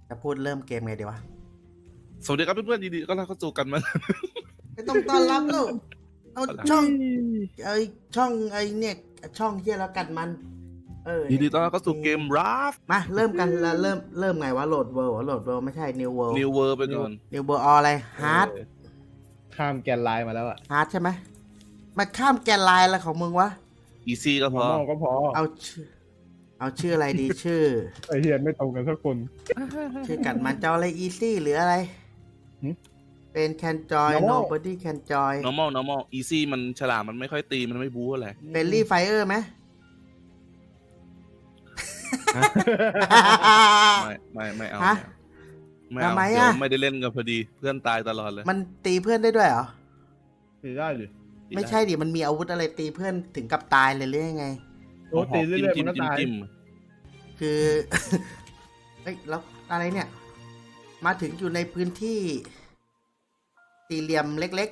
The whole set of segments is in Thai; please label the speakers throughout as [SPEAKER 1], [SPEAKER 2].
[SPEAKER 1] จะพูดเริ่มเกมไงดีวะ
[SPEAKER 2] สวัสดีครับเพื่อนๆดีๆก็รับเข้าสู่กันมา
[SPEAKER 1] ไม่ต้องต้อนรับแล้วเอาช่องช่องเนี่ยช่องเฮียแล้วกันมัน
[SPEAKER 2] ดีๆต้อนรับเข้าสู่เกมราฟ
[SPEAKER 1] มาเริ่มกันแล้วเริ่มไงวะโหลดเวิลด์โหลดเวิลด์ไม่ใช่ New World
[SPEAKER 2] New World ไปก่อน
[SPEAKER 1] New World อะไรฮาร์ด
[SPEAKER 3] ข้ามแกนไลน์มาแล้วอะ
[SPEAKER 1] ฮาร์ดใช่ไหมมาข้ามแกนไลน์อะไรของมึงวะ
[SPEAKER 2] Easy ก็พอ
[SPEAKER 3] มองก็พอ
[SPEAKER 1] เอาชื่ออะไรดี ชื่อ
[SPEAKER 3] ไอเฮียนไม่ตรงกันสักคน
[SPEAKER 1] ชื่อกันมันจะเอาอะไร easy หรืออะไร
[SPEAKER 3] หึ
[SPEAKER 1] เป็น can join
[SPEAKER 3] Normal
[SPEAKER 1] nobody can join
[SPEAKER 2] normal Easy มันฉลาดมันไม่ค่อยตีมันไม่บู๊อะไร
[SPEAKER 1] friendly fire ไหม
[SPEAKER 2] ไม่เอา
[SPEAKER 1] ฮะ
[SPEAKER 2] ไม่เอา
[SPEAKER 1] ทำไม
[SPEAKER 2] เดี๋ยว
[SPEAKER 1] อะ
[SPEAKER 2] ไม่ได้เล่นกันพอดีเพื่อนตายตลอดเลย
[SPEAKER 1] มันตีเพื่อนได้ด้วยเหรอ
[SPEAKER 3] ตีได้หรือ
[SPEAKER 1] ไม่ใช่ดิ มันมีอาวุธอะไรตีเพื่อนถึงกับตายเลยหรือยังไง
[SPEAKER 3] โอ้ตีเรื่อยๆมันก็ตาย
[SPEAKER 2] จิ้ม
[SPEAKER 1] คือ เฮ้ย แล้วอะไรเนี่ย มาถึงอยู่ในพื้นที่สี่เหลี่ยมเล็ก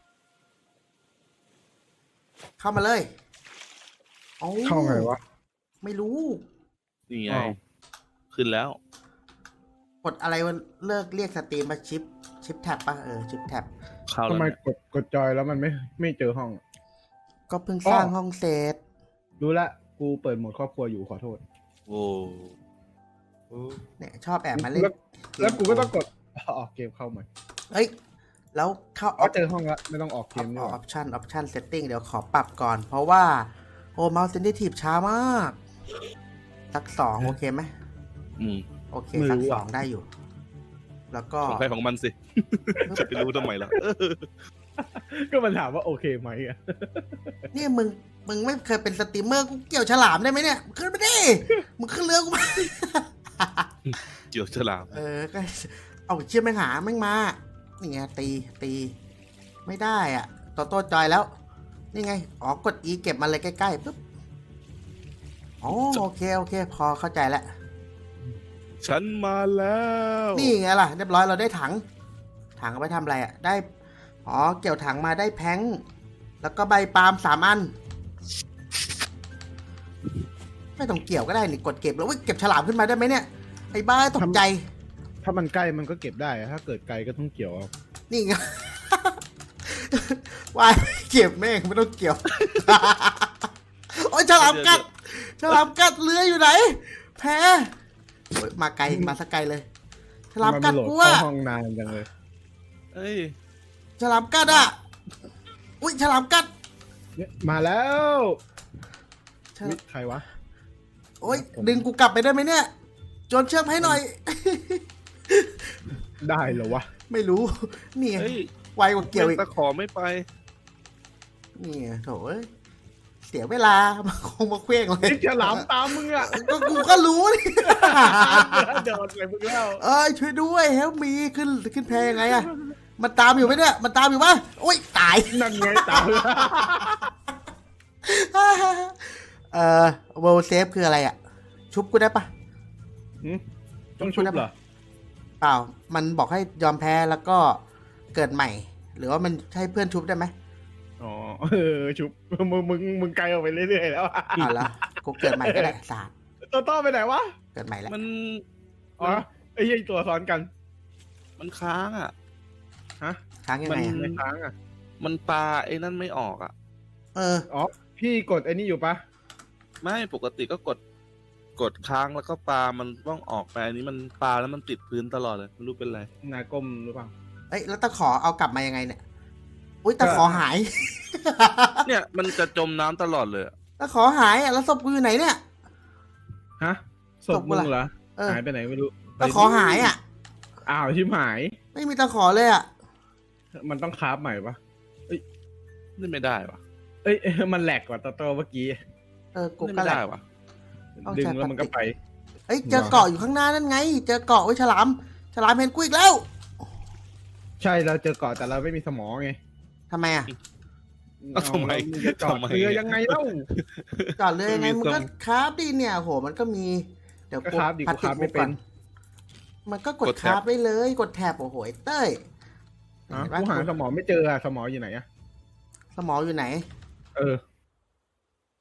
[SPEAKER 1] ๆ เข้ามาเลยโอ้
[SPEAKER 3] เข้าไงวะ
[SPEAKER 1] ไม่รู้
[SPEAKER 2] นี่ไง
[SPEAKER 3] อ้าว
[SPEAKER 2] ขึ้นแล้ว
[SPEAKER 1] กดอะไรวันเลิกเรียกสตรีมมาชิปแท็บป่ะชิปแท็บ
[SPEAKER 2] เข้า
[SPEAKER 3] ทำ
[SPEAKER 2] แล้ว
[SPEAKER 3] ไม
[SPEAKER 2] เนี่ย
[SPEAKER 3] กดจอยแล้วมันไม่เจอห้องอะ
[SPEAKER 1] ก็เพิ่งสร้างห้องเสร็จ
[SPEAKER 3] รู้ละกูเปิดโหมดครอบครัวอยู่ขอโทษ
[SPEAKER 2] โอ้
[SPEAKER 1] เนี่ยชอบแอบมาเล่น
[SPEAKER 3] แล้วกูก็ต้องกดออกเกมเข้าใหม่
[SPEAKER 1] เฮ้ย แล้วเข้า
[SPEAKER 3] อ๋อเจอห้องละไม่ต้องออกเกม
[SPEAKER 1] อ
[SPEAKER 3] นี่ห
[SPEAKER 1] อ
[SPEAKER 3] ว่า
[SPEAKER 1] ปชั่นเซตติ้งเดี๋ยวขอปรับก่อน เพราะว่าโอ้เมาส์เซนซิทีฟช้ามากสัก2โอเคไหม
[SPEAKER 2] อืม
[SPEAKER 1] โอเคสัก2ได้อยู่ แล้วก็
[SPEAKER 2] ของใครของมันสิ จะไปรู้ทำไมล่ะ
[SPEAKER 3] ก็มันถามว่าโอเคไหมอะ
[SPEAKER 1] เนี่ยมึงไม่เคยเป็นสตรีมเมอร์กูเกี่ยวฉลามได้ไหมเนี่ยขึ้นไปดิมึงขึ้นเรือกูมา
[SPEAKER 2] เกี่ยวฉลาม
[SPEAKER 1] ก็เอาเชี่ยแม่งหาแม่งมานี่ไงตีไม่ได้อ่ะโต้จอยแล้ว นี่ไงอ๋อกด E เก็บมาเลยใกล้ๆปุ๊บอ๋อโอเคพอเข้าใจแล้ว
[SPEAKER 2] ฉันมาแล้ว
[SPEAKER 1] นี่ไงล่ะเรียบร้อยเราได้ถังเอาไปทำอะไรอ่ะได้อ๋อเกี่ยวถังมาได้แพงแล้วก็ใบปาล์ม3 อันไม่ต้องเกี่ยวก็ได้นี่กดเก็บแล้วเก็บฉลามขึ้นมาได้ไหมเนี่ยไอ้บ้าตกใจ
[SPEAKER 3] ถ้ามันใกล้มันก็เก็บได้อะถ้าเกิดไกลก็ต้องเกี่ยวเอา
[SPEAKER 1] นี่ไง วายเก็บแม่งไม่ต้องเกี่ยว โอ้ยฉลามกัดเรืออยู่ไหนแพ้โอ้ยมาไกลมาสักไกลเลยฉลามกัด
[SPEAKER 3] มันโหลด
[SPEAKER 1] กูอะ
[SPEAKER 3] เข้าห้องนานจังเลย
[SPEAKER 2] เอ้ย
[SPEAKER 1] ฉลามกัดอะอุ้ยฉลามกัด
[SPEAKER 3] เนี่ยมาแล้ว
[SPEAKER 1] ฉลาม
[SPEAKER 3] นี่ใครวะ
[SPEAKER 1] โอ้ยดึงกูกลับไปได้ไหมเนี่ยโจนเชือกให้หน่อย
[SPEAKER 3] ได้เหรอวะ
[SPEAKER 1] ไม่รู้ นี่ไง
[SPEAKER 2] เฮ้ย
[SPEAKER 1] ไวกว่าเกี่ยวอีก
[SPEAKER 2] ตะขอไม่ไป
[SPEAKER 1] นี่ไงโถ่เอ้ยเสียเวลามาคงมาเคว้งเลย
[SPEAKER 3] ไอ้ฉลามตามมึงอะ
[SPEAKER 1] ก็กูก็รู้นี่
[SPEAKER 3] เดินไปมึงแล้ว
[SPEAKER 1] เอ้ยช่วยด้วยเฮลมีขึ้นแพยังไงอะมันตามอยู่ไหมเนี่ยมันตามอยู่ปะโอ้ยตาย
[SPEAKER 3] นั่นไงตาม
[SPEAKER 1] เวลเซฟคืออะไรอะชุบกูได้ปะ
[SPEAKER 3] ต้องชุบเหรอ
[SPEAKER 1] เปล่ามันบอกให้ยอมแพ้แล้วก็เกิดใหม่ หรือว่ามันให้เพื่อนชุบได้ไหม
[SPEAKER 3] อ๋อชุบมึงไกลออกไปเรื่อยๆแล้วอะ
[SPEAKER 1] อ่าละกูเกิดใหม่ก็ได้ศาสตร์
[SPEAKER 3] ตัวต้อไปไหนวะ
[SPEAKER 1] เกิดใหม่แล้ว
[SPEAKER 2] มัน
[SPEAKER 3] อ๋อไอ้ยี่ตัวซ้อนกัน
[SPEAKER 2] มันค้างอ่ะ
[SPEAKER 3] ฮะ
[SPEAKER 1] ค้างยังไงอะ
[SPEAKER 3] ไม่ค้างอ่ะ
[SPEAKER 2] มันปลาไอ้นั่นไม่ออกอ่ะ
[SPEAKER 3] อ๋อพี่กดไอ้นี่อยู่ปะ
[SPEAKER 2] ไม่ปกติก็กดค้างแล้วก็ปลามันต้องออกไปอันนี้มันปลาแล้วมันติดพื้นตลอดเลยไม่รู้เป็นไร
[SPEAKER 3] นายก้มหรือเปล่า
[SPEAKER 1] เอ้ยแล้วตะขอเอากลับมายังไงเนี่ยอุ้ยตะขอหาย
[SPEAKER 2] เนี่ยมันจะจมน้ำตลอดเลยอะ
[SPEAKER 1] ตะขอหายอ่ะแล้วศพกูอยู่ไหนเนี่ย
[SPEAKER 3] ฮะศพมึงเหรอ หายไปไหนไม่รู้
[SPEAKER 1] ตะขอหายอ่ะ
[SPEAKER 3] อ้าวชิมหาย
[SPEAKER 1] ไม่มีตะขอเลยอ่ะ
[SPEAKER 3] มันต้องคราฟใหม่ปะ
[SPEAKER 2] นี่ไม่ได้วะ
[SPEAKER 3] เอ้ย มันแหลกกว่าตัวเมื่อกี้
[SPEAKER 1] กู
[SPEAKER 2] นี่
[SPEAKER 1] ก็
[SPEAKER 2] ไม่
[SPEAKER 1] แหละ
[SPEAKER 2] ได้วะ
[SPEAKER 1] ต้อง
[SPEAKER 3] ดึง
[SPEAKER 1] ใช้
[SPEAKER 3] แล้วมันก็ไป
[SPEAKER 1] เอ้ยเจอเกาะอยู่ข้างหน้านั่นไง เจอเกาะไว้ฉลามเห็นกูอีกแล้ว
[SPEAKER 3] ใช่เราเจอเกาะแต่เราไม่มีสมองไง
[SPEAKER 1] ทำไมอ่ะ
[SPEAKER 2] เอ้าทำไม
[SPEAKER 3] เราจะเจาะ
[SPEAKER 2] ทำไม
[SPEAKER 3] เรือยังไงเล่า
[SPEAKER 1] จอดเลยยังไง
[SPEAKER 2] มี
[SPEAKER 1] มันก็
[SPEAKER 2] ทรง
[SPEAKER 1] คราฟดิเนี่ยโหมันก็มีเดี๋ยว
[SPEAKER 3] ก็คราฟดิกูคราฟไม่เป็น
[SPEAKER 1] มันก็กด
[SPEAKER 2] กด
[SPEAKER 1] ค
[SPEAKER 2] แท็บ
[SPEAKER 1] ราฟไว้เลยกดแท็บโอ้โหไอ้เต้ย
[SPEAKER 3] ฮะ
[SPEAKER 1] เห็นปะ
[SPEAKER 3] กูหาสมองไม่เจออะสมองอยู่ไหนอะ
[SPEAKER 1] สมองอยู่ไหน
[SPEAKER 3] เออ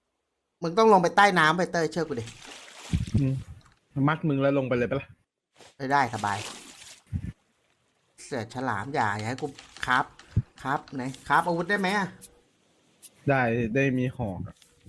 [SPEAKER 1] มึงต้องลงไปใต้น้ำไปเต้ยเชื่อกูดิ
[SPEAKER 3] มัดมึงแล้วลงไปเลยปะล่ะ
[SPEAKER 1] ได้สบาย เสือฉลามอย่าให้กูครับไหนครับอาวุธได้ไหมอะ
[SPEAKER 3] ได้มีหอกอะ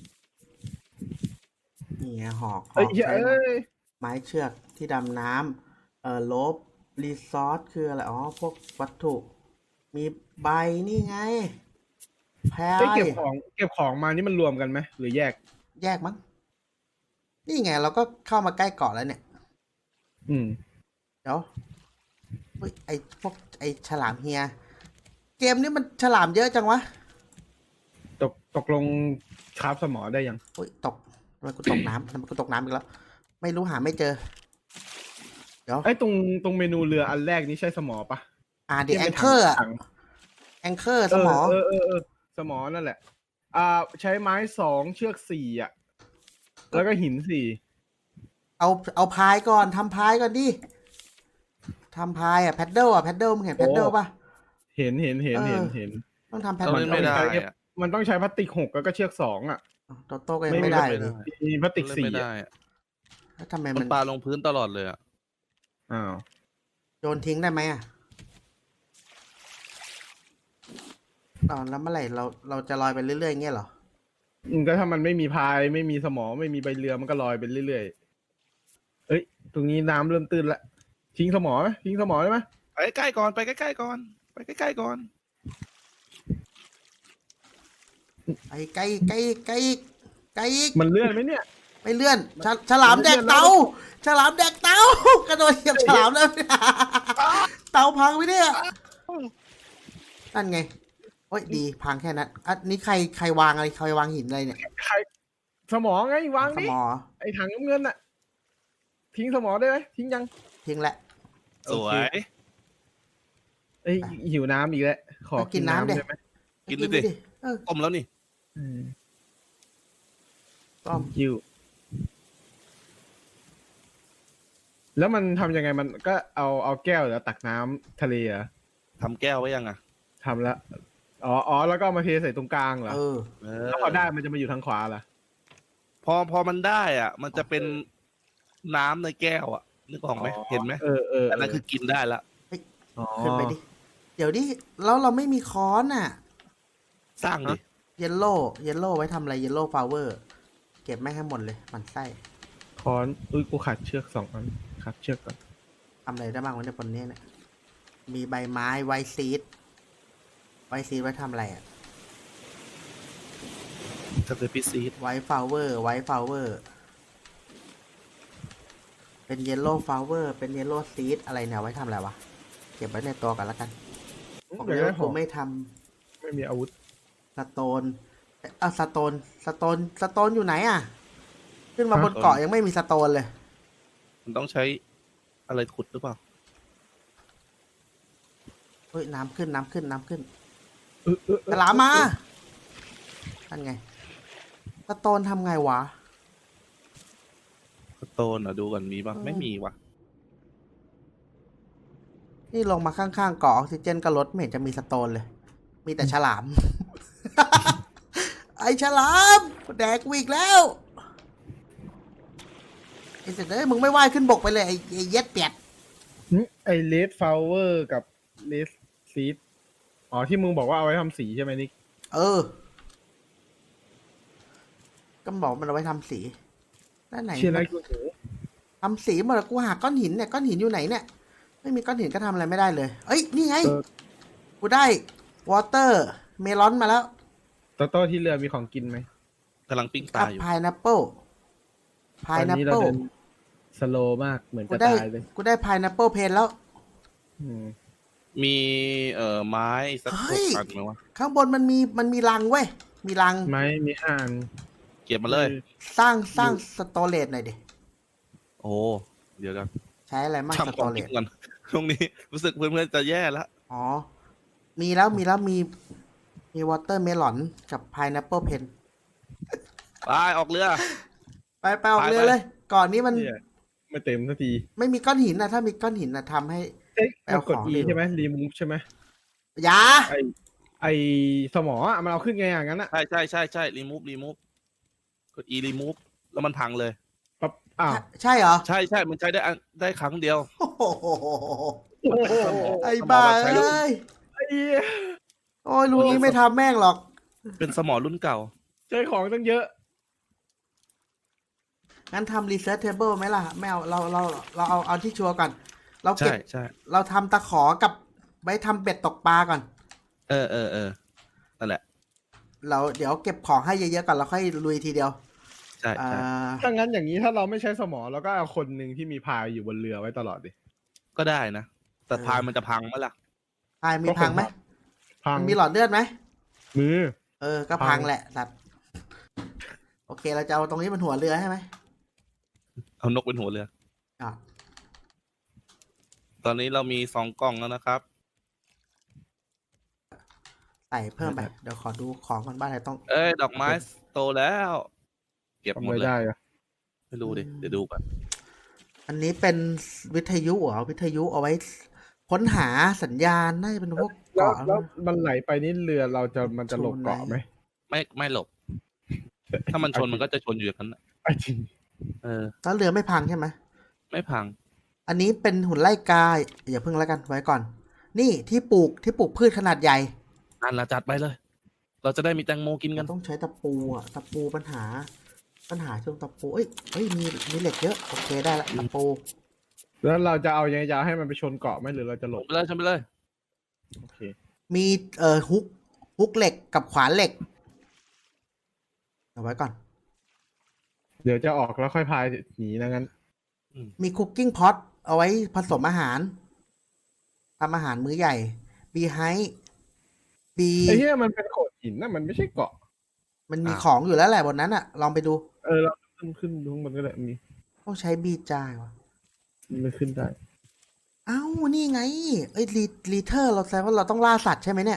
[SPEAKER 1] นี่ไงหอก
[SPEAKER 3] เอ้ย
[SPEAKER 1] ใช้
[SPEAKER 3] เอ้ย
[SPEAKER 1] ไม้เชือกที่ดำน้ำลบรีซอสคืออะไรอ๋อพวกวัตถุ มีใบนี่ไงแพร
[SPEAKER 3] เอ้ยเก็บของมานี่มันรวมกันไหมหรือแยก
[SPEAKER 1] แยกมั้งนี่ไงเราก็เข้ามาใกล้เกาะแล้วเนี่ย
[SPEAKER 3] อืม
[SPEAKER 1] เดี๋ยวเฮ้ยไอฉลามเฮีย เกมนี้มันฉลามเยอะจังวะ
[SPEAKER 3] ตกลงคราฟสมอได้ยัง
[SPEAKER 1] เฮ้ยตกทำไมกูตกน้ำทำไมกูตกน้ำอีกแล้ว ไม่รู้หาไม่เจอ เดี๋ยว
[SPEAKER 3] ไอ้ยตรงเมนูเรืออันแรกนี้ใช่สมอปะ
[SPEAKER 1] เดี๋ยวแอ
[SPEAKER 3] ที่
[SPEAKER 1] ง
[SPEAKER 3] ป็น
[SPEAKER 1] เกอร์
[SPEAKER 3] ถัง
[SPEAKER 1] แองเกอร์สมอ
[SPEAKER 3] สมอนั่นแหละ ใช้ไม้2เชือก4อ่ะ แล้วก็หิน4
[SPEAKER 1] เอาพายก่อนทำพายก่อนดิทำพายแพดเดิลแพดเดิลมึงเห็นแพดเดิลป่ะ
[SPEAKER 3] เห็น
[SPEAKER 1] ต้องทำแพด
[SPEAKER 2] เรา
[SPEAKER 1] เดิ
[SPEAKER 2] เล่
[SPEAKER 1] ล
[SPEAKER 2] นไม่ได้อะ
[SPEAKER 3] มันต้องใช้พลาสติก6แล้วก็เชือก2อ่ะ
[SPEAKER 1] โตโต้ก็ยังไม่ได้เลย
[SPEAKER 3] มีพลาสติก
[SPEAKER 2] เล่นไม่
[SPEAKER 3] 4
[SPEAKER 2] ได้
[SPEAKER 3] อ่ะ
[SPEAKER 2] อะ
[SPEAKER 1] แล้วทำไม
[SPEAKER 2] มั
[SPEAKER 1] มัน น
[SPEAKER 2] ปลาลงพื้นตลอดเลยอ่ะ
[SPEAKER 3] อ้าว
[SPEAKER 1] โยนทิ้งได้ไหมแล้วเมื่อไหร่เราจะลอยไปเรื่อยๆอย่างเงี้ยเหรอ
[SPEAKER 3] ก็ถ้ามันไม่มีพายไม่มีสมอไม่มีใบเรือมันก็ลอยไปเรื่อยๆเอ้ย ตรงนี้น้ำเริ่มตื้นละทิ้งสมอไหมทิ้งสมอได้ไหม
[SPEAKER 2] ไปใกล้ๆก่อนไปใกล้ๆก่อนไปใกล้ๆก่อน
[SPEAKER 1] ไอ้ไกลไกลไกลไกลอีก
[SPEAKER 3] มันเลื่อนไหมเนี่ย
[SPEAKER 1] ไม่เลื่อนฉลามแดกเตาฉลามแดกเตากระโดดเหยียบฉลามแล้วเตาพังไปเนี่ยนั่นไงโอ้ยดีพังแค่นั้นอันนี้ใครวางอะไรใครวางหินอะไรเนี่ย
[SPEAKER 3] ใครสมอไงวาง
[SPEAKER 1] ส
[SPEAKER 3] ดิ
[SPEAKER 1] มอ
[SPEAKER 3] ไอ้ถังน้ำเงินน่ะ ทิ้งสมอได้ไหมทิ้งยัง
[SPEAKER 1] ทิ้งแหละ
[SPEAKER 2] สวย
[SPEAKER 3] เอ้ยหิวน้ำอีกแล้วขอ
[SPEAKER 1] เอากิ
[SPEAKER 3] กิ
[SPEAKER 1] น
[SPEAKER 3] น
[SPEAKER 1] น้ำ
[SPEAKER 3] น้ำ
[SPEAKER 1] ดิ
[SPEAKER 3] ได้ไหม
[SPEAKER 2] กินเลยดิ
[SPEAKER 1] เออ
[SPEAKER 2] ก้มแล้วนี่
[SPEAKER 1] ต้อม
[SPEAKER 3] หิวแล้วมันทำยังไงมันก็เอาแก้วแล้วตักน้ำทะเลเหรอ
[SPEAKER 2] ทำแก้วไว้ยังอ่ะ
[SPEAKER 3] ทำแล้วอ๋อแล้วก็เอามาเทใส่ตรงกลางเหรอ
[SPEAKER 1] เออ
[SPEAKER 2] เอ
[SPEAKER 3] แล้วพอได้มันจะมาอยู่ทางขวาเหรอ
[SPEAKER 2] พอมันได้อ่ะ มันจะเป็นน้ำในแก้วอ่ะนึกออกไหมเห็นไหม
[SPEAKER 3] เออ
[SPEAKER 2] อันนั้นคือกินได้ละ
[SPEAKER 1] ขึ้นไปดิเดี๋ยวดิแล้วเราไม่มีค้อนอ่ะ
[SPEAKER 2] สร้างดิ
[SPEAKER 1] เยลโล่ไว้ทำอะไรเยลโล่ฟลาวเวอร์เก็บไม่ให้หมดเลยมันไส้
[SPEAKER 3] ค้อนอุ้ยกูขาดเชือก2 อันขาดเชือกก่อน
[SPEAKER 1] ทำอะไรได้บ้างวะเนี่ยบนนี้เนี่ยมีใบไม้ไวซีดไว้ทำอะไรอ่ะ
[SPEAKER 2] ทำเป็นพิซซีด
[SPEAKER 1] ไวฟลาวเวอร์เป็นเยลโล่ฟลาวเวอร์เป็นเยลโล่ซีดอะไรเนี่ยไว้ทำอะไรวะเก็บไว้ในตัวกันแล้วกันผม
[SPEAKER 3] เดี๋ยว
[SPEAKER 1] เดี๋ยว
[SPEAKER 3] ได้
[SPEAKER 1] ผมไม่ท
[SPEAKER 3] ไม่มีอาวุธ
[SPEAKER 1] ำสโตนสโตนอยู่ไหนอ่ะ ขึ้นมาบนเกาะยังไม่มีสโตนเลย
[SPEAKER 2] มันต้องใช้อะไรขุดหรือเปล่า
[SPEAKER 1] เฮ้ยน้ำขึ้น
[SPEAKER 3] เออ
[SPEAKER 1] ฉลามมานั่นไงสโตนทำไงวะ
[SPEAKER 2] สโตนอ่ะดูก่อนมีป่ะไม่มีว่ะ
[SPEAKER 1] นี่ลงมาข้างๆเกาะออกซิเจนก็ลดไม่เห็นจะมีสโตนเลย มีแต่ฉลาม ไอฉลามแดกกูอีกแล้วไอเสร็จเลยมึงไม่ว่ายขึ้นบกไปเลยไอเย็ดเปียด
[SPEAKER 3] ไอเลดฟลาวเวอร์กับเลดซีดอ๋อที่มึงบอกว่าเอาไว้ทำสีใช่ไหมนิก
[SPEAKER 1] เออ ก็บอกมันเอาไว้ทำสีแล้วไหน
[SPEAKER 3] เชียร์อะไรกูหู
[SPEAKER 1] ทำสีหมดแล้วกูหาก้อนหินเนี่ยก้อนหินอยู่ไหนเนี่ย ไม่มีก้อนหินก็ทำอะไรไม่ได้เลย เอ้ยนี่ไง กูได้วอเตอร์เมลอนมาแล้ว
[SPEAKER 3] โต้ที่เรือมีของกินไหม
[SPEAKER 2] กำลังปิ้งป
[SPEAKER 1] กั
[SPEAKER 2] ลา
[SPEAKER 1] บ
[SPEAKER 2] อยู่
[SPEAKER 1] พายนัปเปิลพาย
[SPEAKER 3] ตอน
[SPEAKER 1] นัป
[SPEAKER 3] นี้เรา
[SPEAKER 1] เปิล
[SPEAKER 3] เดินสโลว์มากเหมือน
[SPEAKER 1] กู
[SPEAKER 3] จะ
[SPEAKER 1] ได้
[SPEAKER 3] ตายเลย
[SPEAKER 1] กูได้พายนัปเปิลเพนแล้ว
[SPEAKER 3] อืม
[SPEAKER 2] มีไม้สัก
[SPEAKER 1] เฮ้
[SPEAKER 2] ห
[SPEAKER 1] ย
[SPEAKER 2] กอันไหมวะ
[SPEAKER 1] ข้างบนมันมีรังเว้ย มีรัง
[SPEAKER 3] ไม้มี5 อัน
[SPEAKER 2] เก็บมาเลย
[SPEAKER 1] สร้างสโตเรจหน่อยดิ
[SPEAKER 2] โอ้เดี๋ยวกัน
[SPEAKER 1] ใช้อะไรมากส
[SPEAKER 2] ทำข
[SPEAKER 1] โต
[SPEAKER 2] อง
[SPEAKER 1] เร
[SPEAKER 2] กิ
[SPEAKER 1] จ
[SPEAKER 2] นก่อนช่วงนี้รู้สึกเพื่อนๆจะแย่แล้ว
[SPEAKER 1] อ๋อ มีวอเตอร์เมลอนกับพายนัปเปิลเพน
[SPEAKER 2] ไปออกเรือ
[SPEAKER 1] ไปออกเรือเลย ก่อนนี้มัน
[SPEAKER 3] เนี่ยไม่เต็มสักที
[SPEAKER 1] ไม่มีก้อนหินนะถ้ามีก้อนหินนะทำให้
[SPEAKER 3] เอ๊ะ
[SPEAKER 1] ไปเอา
[SPEAKER 3] กด
[SPEAKER 1] ของ
[SPEAKER 3] E
[SPEAKER 1] เร็ว
[SPEAKER 3] ใช่ไหมรีมูฟใช่ไหม
[SPEAKER 1] อยา
[SPEAKER 3] ไอสมออ่ะมันเอาขึ้นไงอย่างนั้นอ่ะ
[SPEAKER 2] ใช่รีมูฟกด E รีมูฟแล้วมันพังเลย
[SPEAKER 3] อ้าว
[SPEAKER 1] ใช่เหรอ
[SPEAKER 2] ใช่ใช่มันใช้ได้ครั้งเดียว
[SPEAKER 1] โอ้โห
[SPEAKER 2] มันเป็นสมอ
[SPEAKER 1] ไอ้
[SPEAKER 2] สมอ
[SPEAKER 1] บ้า
[SPEAKER 2] แบบใช้รุ่น
[SPEAKER 1] เอ้ย
[SPEAKER 3] ไอ้เหี้ย
[SPEAKER 1] โอ้ยลุงนี้ไม่ทำแม่งหรอก
[SPEAKER 2] เป็นสมอรุ่นเก่า
[SPEAKER 3] ใช้ของตั้งเยอะ
[SPEAKER 1] งั้นทำ research table ไหมล่ะ ไม่เอาเราเอาที่ชัวร์ก่อน เราเก็
[SPEAKER 2] ใช่
[SPEAKER 1] บ
[SPEAKER 2] ใช่
[SPEAKER 1] เราทำตะขอกับไว้ทำเบ็ดตกปลาก่อน
[SPEAKER 2] เออนั่นแหละ
[SPEAKER 1] เราเดี๋ยวเก็บของให้เยอะๆก่อนแล้วค่อยลุยทีเดียว
[SPEAKER 2] ใช่
[SPEAKER 1] อ่า
[SPEAKER 2] ใช่
[SPEAKER 3] ถ้างั้นอย่างนี้ถ้าเราไม่ใช้สมอเราก็เอาคนหนึ่งที่มีพายอยู่บนเรือไว้ตลอดดิ
[SPEAKER 2] ก็ได้นะ แต่พายมันจะพังไหมล่ะ
[SPEAKER 1] พายมีพังไหม
[SPEAKER 3] พัง
[SPEAKER 1] มันมีหลอดเลือดไหม
[SPEAKER 3] มือ
[SPEAKER 1] ก็
[SPEAKER 3] พั
[SPEAKER 1] พัง
[SPEAKER 3] ง
[SPEAKER 1] แหละสัตว์โอเคเราจะเอาตรงนี้เป็นหัวเรือใช่ไหม
[SPEAKER 2] เอานกเป็นหัวเรือ
[SPEAKER 1] อ่ะ
[SPEAKER 2] ตอนนี้เรามี2 กล่องแล้วนะครับ
[SPEAKER 1] ใส่เพิ่มไป เดี๋ยวขอดูของก่อนบ้านไหนต้อง
[SPEAKER 2] เอ้ย ดอกไม้โตแล้ว เก็บห
[SPEAKER 3] ทำ
[SPEAKER 2] มด
[SPEAKER 3] ไม่
[SPEAKER 2] เลย
[SPEAKER 3] ได้อะ
[SPEAKER 2] ไม่รู้ดิ เดี๋ยวดูก่อน
[SPEAKER 1] อันนี้เป็นวิทยุเหรอวิทยุเอาไว้ ค้นหาสัญญาณน่าจะเป็นพวก
[SPEAKER 3] แล้ว
[SPEAKER 1] เกาะ
[SPEAKER 3] แล้วมันไหลไปนี่เรือมันจะหลบเกาะไหม
[SPEAKER 2] ไม่หลบ ถ้ามันชนมันก็จะชนอยู่อย่างนั้นน่ะ
[SPEAKER 3] ไอ้จริง
[SPEAKER 1] แล้วเรือไม่พังใช่ไหม
[SPEAKER 2] ไม่พัง
[SPEAKER 1] อันนี้เป็นหุ่นไล่กาอย่าเพิ่งแล้วกันไว้ก่อน นี่ที่ปลูกพืชขนาดใหญ่
[SPEAKER 2] นั่นละจัดไปเลย เราจะได้มีแตงโมกินกั
[SPEAKER 1] เรา
[SPEAKER 2] น
[SPEAKER 1] ต้องใช้ตะปูตะปูปัญหาช่วงตะปูเอ้ยมีเหล็กเยอะโอเคได้ละตะปู
[SPEAKER 3] แล้วเราจะเอายังไงจะเอาให้มันไปชนเกาะไหมหรือเราจะหลบ
[SPEAKER 2] ไปเลยชนไปเลย
[SPEAKER 3] โอเค
[SPEAKER 1] มีฮุกเหล็กกับขวานเหล็กเอาไว้ก่อน
[SPEAKER 3] เดี๋ยวจะออกแล้วค่อยพายหนีนะงั้น
[SPEAKER 1] มีคุกกิ้งพอตเอาไว้ผสมอาหารทำอาหารมื้อใหญ่บีไฮบี
[SPEAKER 3] ไอ้เหี้ยมันเป็นโขดหินนะมันไม่ใช่เกาะ
[SPEAKER 1] มันมี
[SPEAKER 2] อ้าว
[SPEAKER 1] ของอยู่แล้วแหละบนนั้นอะลองไปดู
[SPEAKER 3] เราขึ้นดูข้างบนก็ได้มี
[SPEAKER 1] ต้องใช้บีจายวะ
[SPEAKER 3] มันขึ้นได้
[SPEAKER 1] เอ้านี่ไงเอ้ยรีเทอร์เราแสดงว่าเราต้องล่าสัตว์ใช่ไหมเนี่ย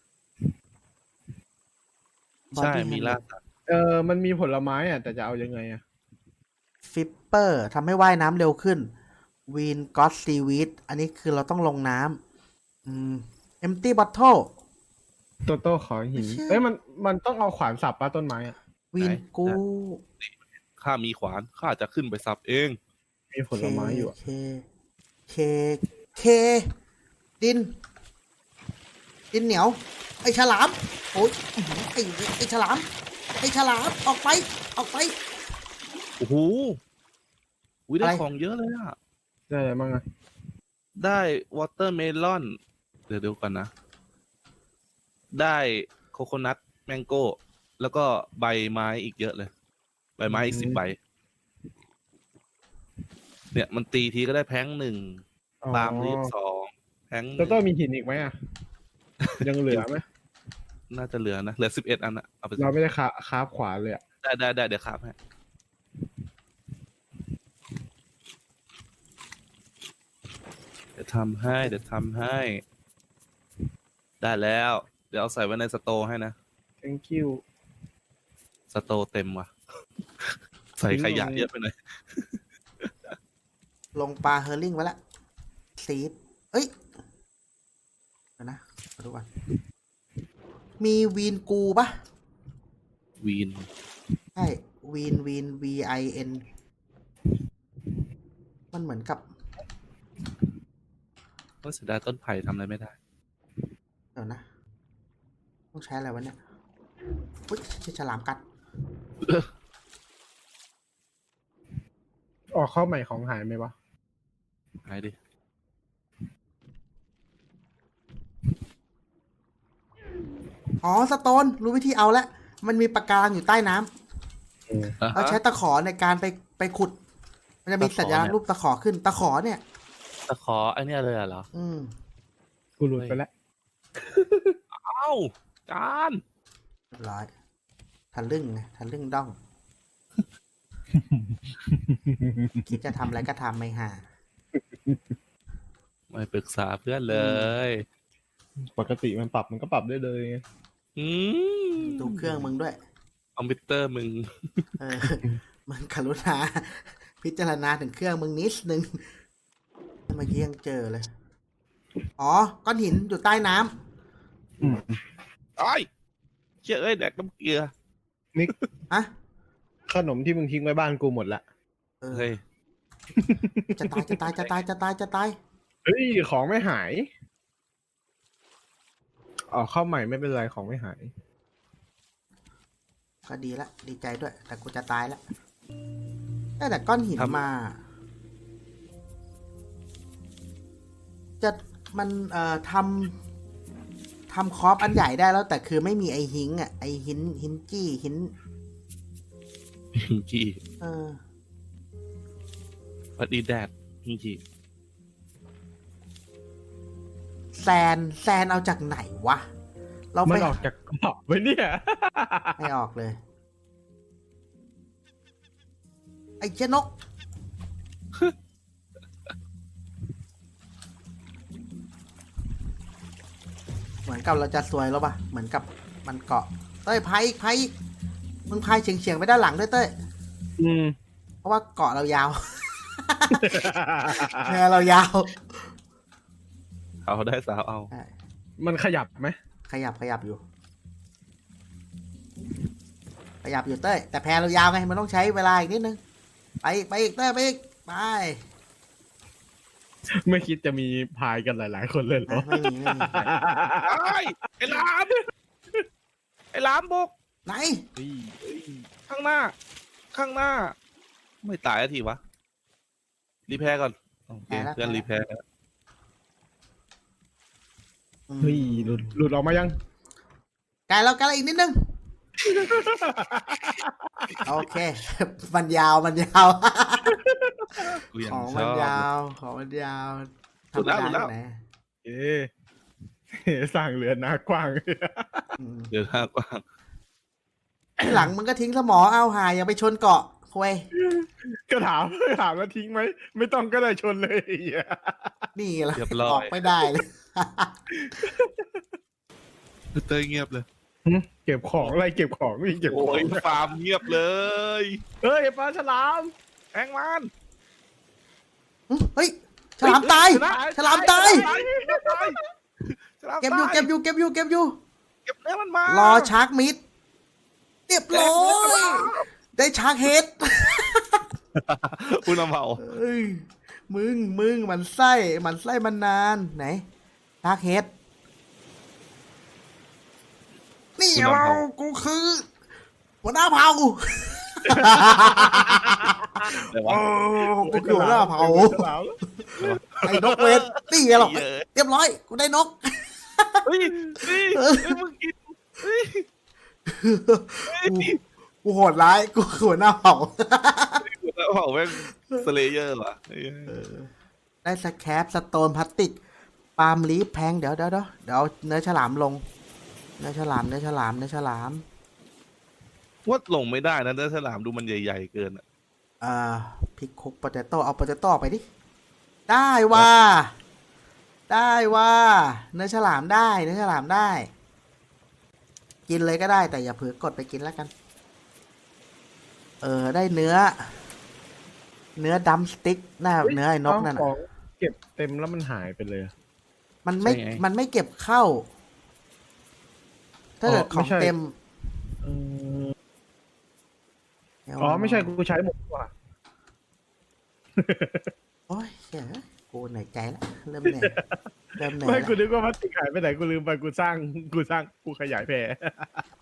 [SPEAKER 2] ใช่มีล่าสัตว์
[SPEAKER 3] มันมีผลไม้อ่ะแต่จะเอายังไงอ่ะ
[SPEAKER 1] ฟิปเปอร์ทำให้ว่ายน้ำเร็วขึ้นวีนก็อตซีวีดอันนี้คือเราต้องลงน้ำเอมตี้บอทเทิล
[SPEAKER 3] โต้ขอหิน
[SPEAKER 1] ไม่ใช่
[SPEAKER 3] เอ้ยมันต้องเอาขวานสับปะต้นไม้อ่ะ
[SPEAKER 1] วีนกู
[SPEAKER 2] ข้ามีขวานข้าจะขึ้นไปสับเอง
[SPEAKER 3] มีผลไม้อยู่อะ
[SPEAKER 1] เคดินเหนียว ไอฉลาม โอ้ยอื้อหือไอฉลาม ออกไป
[SPEAKER 2] โอ้โหอุ้ยได้
[SPEAKER 1] อะไร
[SPEAKER 2] ของเยอะเลยอะ
[SPEAKER 3] ได้อะไรบ้างอ่ะ
[SPEAKER 2] ได้วอเตอร์เมลอน เดี๋ยวก่อนนะ ได้โคโคนัทแมงโก้แล้วก็ใบไม้อีกเยอะเลย ใบไม้อีก10 ใบ เนี่ยมันตีทีก็ได้แพง1 ปาล์มรีบ2 แพงหนึ่ง
[SPEAKER 3] โต้มีหินอีกไหมอ่ะ ยังเหลือไหม
[SPEAKER 2] น่าจะเหลือนะ เหลือ11 อันอะเอาไป
[SPEAKER 3] เราไม่ได้คาบขวานเลยอ่ะ
[SPEAKER 2] ได้เดี๋ยวครับฮะเดี๋ยวทำให้ ได้แล้ว เดี๋ยวเอาใส่ไว้ในสโตร์ให้นะ
[SPEAKER 3] thank you
[SPEAKER 2] สโตร์เต็มว่ะ ใส่ขยะเยอะไปหน่อย
[SPEAKER 1] ลงปลาเฮอร์ลิงไว้ละซีดเอ้ยเดี๋ยวนะมาดูก่อนมีวีนกูปะ
[SPEAKER 2] วีน
[SPEAKER 1] ใช่วีน VIN มันเหมือนกับ
[SPEAKER 2] ก็เสียดายต้นไผ่ทำอะไรไม่ได้
[SPEAKER 1] เดี๋ยวนะ ต้องใช้อะไรวะเนี่ยอุ๊ยใช่ฉลามกัด
[SPEAKER 3] ออกเข้าใหม่ของหายไหมวะ
[SPEAKER 2] หายดิ
[SPEAKER 1] อ๋อสโตนรู้วิธีเอาแล้วมันมีปะการังอยู่ใต้น้ำเราใช้ตะขอในการไปขุด มันจะมีสัญลักษณ์รูปตะขอขึ้นตะขอเนี่ย
[SPEAKER 2] ตะขอไอ้เนี่ยเลยเหรอ
[SPEAKER 3] กูหลุดไปแล้ว
[SPEAKER 2] เอ้า จาน
[SPEAKER 1] เรียบร้อยทะลึ่งไงทะลึ่งด้อง คิดจะทำอะไรก็ทำไม่ห่า
[SPEAKER 2] ไม่ปรึกษาเพื่อนเลย
[SPEAKER 3] ปกติมันก็ปรับได้เลยไง
[SPEAKER 2] อืม
[SPEAKER 1] ดูเครื่องมึงด้วย
[SPEAKER 2] คอมพิวเตอร์มึง
[SPEAKER 1] เออ มันกรุณา พิจารณาถึงเครื่องมึงนิดนึงเมื่อกี้ยังเจอเลย อ๋อ ก้อนหินอยู่ใต้น้ำ
[SPEAKER 2] ไอ้ยเชื่อเอ้ยแดกน้ำเกลือ
[SPEAKER 1] อะ
[SPEAKER 3] ขนมที่มึงทิ้งไว้บ้านกูหมดละ
[SPEAKER 1] เออ
[SPEAKER 2] เฮ้ย
[SPEAKER 1] จะตายจะตายจะตายจะตายจะตาย
[SPEAKER 3] เฮ้ยของไม่หายอ๋อเข้าใหม่ไม่เป็นไรของไม่หาย
[SPEAKER 1] ก็ดีละดีใจด้วย แต่กูจะตายแล้วได้แต่ก้อนหิน
[SPEAKER 2] ครับ
[SPEAKER 1] มา จะมันทำคอปอันใหญ่ได้แล้ว แต่คือไม่มีไอหิงอ่ะไอหินจี้หิน
[SPEAKER 2] พิงกี้
[SPEAKER 1] เออ
[SPEAKER 2] วัดดีแดดพิงกี้
[SPEAKER 1] แซนเอาจากไหนวะ เรา
[SPEAKER 3] มั
[SPEAKER 1] ไป
[SPEAKER 3] นออกจากกรอบไว้เนี่ย
[SPEAKER 1] ไม่ออกเลย ไอ้เจนก เหมือนกับเราจะซวยแล้วปะเหมือนกับมันเกาะ เต้ยพายอีกพายอีกมึงพายเฉียงๆไปด้านหลังด้วยเต้ย
[SPEAKER 3] อืม
[SPEAKER 1] เพราะว่าเกาะเรายาว แพเรายาว
[SPEAKER 2] เอาได้สาวเอา
[SPEAKER 1] ใช่
[SPEAKER 3] มันขยับไหม
[SPEAKER 1] ขยับอยู่ ขยับอยู่เต้ย แต่แพเรายาวไง มันต้องใช้เวลาอีกนิดนึง ไปอีกเต้ยไปอีกไป
[SPEAKER 3] ไม่คิดจะมีพายกันหลาย ๆ คนเลยเหรอ
[SPEAKER 1] ไม่มี
[SPEAKER 2] ไอ้หลามไอ้หลามบุก
[SPEAKER 1] ไหน
[SPEAKER 2] ข้างหน้า ข้างหน้า ไม่ตายทีวะ รีแพร์ก่อน โอเค เพื่อนรีแพร์
[SPEAKER 3] เฮ้ยหลุดออกมายัง
[SPEAKER 1] ไกลแล้วอีกนิดนึง โอเค มันยาว
[SPEAKER 2] กูยัง
[SPEAKER 1] ของ
[SPEAKER 2] ช
[SPEAKER 1] มัน
[SPEAKER 2] อบ
[SPEAKER 1] ยาว ของมันยาว
[SPEAKER 2] หลุดแล้วหลุดแล้ว
[SPEAKER 1] ไหน
[SPEAKER 3] เอ๊ะ สร้างเรือนหน้ากว้าง
[SPEAKER 1] อืม
[SPEAKER 2] เดี๋ยวหน้ากว้าง
[SPEAKER 1] ทีหลังมึงก็ทิ้งสมอเอาหาอย่าไปชนเกาะคุย
[SPEAKER 3] ก็ถามว่าทิ้งไหม ไม่ต้องก็ได้ชนเลยไอ้เหี้ย
[SPEAKER 1] นี่แหละ
[SPEAKER 2] เรียบร้อย
[SPEAKER 1] ออกไม่ได้เลย
[SPEAKER 2] เต้ยเงียบเลย
[SPEAKER 3] เก็บของอะไรเก็บของนี่เก็บข
[SPEAKER 2] โอ้
[SPEAKER 3] อง
[SPEAKER 2] ยฟาร์มเงียบเลย
[SPEAKER 3] เฮ้ยปลาฉลาม
[SPEAKER 2] แองมัน
[SPEAKER 1] เฮ้ย ฉลามตาย ฉลามตาย
[SPEAKER 2] ฉลาม
[SPEAKER 1] เก็บ
[SPEAKER 2] ตา
[SPEAKER 1] อยู่
[SPEAKER 2] ย
[SPEAKER 1] เก็บอยู่
[SPEAKER 2] เก็บเนื้อมันมาร ร
[SPEAKER 1] อชาร์กมิดเรียบร้อยได้ชาร์กเฮด
[SPEAKER 2] คุณเอาเผา
[SPEAKER 1] เอ้ยมึงมันไส้มันนานไหนชาร์กเฮดนี่เรากูคือหัวหน้าเผ่า
[SPEAKER 2] เดี๋ยว
[SPEAKER 1] โอ้
[SPEAKER 2] วะ
[SPEAKER 1] กูคือหัวหน้าเผ่า
[SPEAKER 3] ฉลาม
[SPEAKER 1] ไอ้นกเวทนี่ไงหรอกเรียบร้อยกูได้นก
[SPEAKER 2] เฮ้ยมึงกินเฮ้ย
[SPEAKER 1] กูโหดร้ายกูคือหัวหน้าเผ่า
[SPEAKER 2] คุณเอาเผาแม่งสเลเยอร์ว่ะเฮ้ย
[SPEAKER 1] ได้สแคปสโตนพลาสติกปาล์มลีฟแพงเดี๋ยวเอาเนื้อฉลามลงเนื้อฉลาม
[SPEAKER 2] ว่าลงไม่ได้นะเนื้อฉลามดูมันใหญ่ๆเกินอะ
[SPEAKER 1] พริกคุกโปเตโต้เอาโปเตโต้ไปดิได้ว่าเนื้อฉลามได้ กินเลยก็ได้แต่อย่าเผลอกดไปกินแล้วกัน ได้เนื้อดัมสติ๊กหน้าเนื้อไอ้นกนั่น
[SPEAKER 3] ข
[SPEAKER 1] น่ะ
[SPEAKER 3] องเก็บเต็มแล้วมันหายไปเลย
[SPEAKER 1] มันไม่เก็บเข้า ถ้าเกิดของเต็ม
[SPEAKER 3] อ๋อไม่ใช่กูใช้หมดว่ะ
[SPEAKER 1] โอ้ยเหี้ยกูเหนื่อยใจแล้วเริ่มเหนื่อย
[SPEAKER 3] ไม่กู
[SPEAKER 1] แล้ว
[SPEAKER 3] นึกว่าพลาสติกหายไปไหนกูลืมไปกูสร้างกูขยายแพร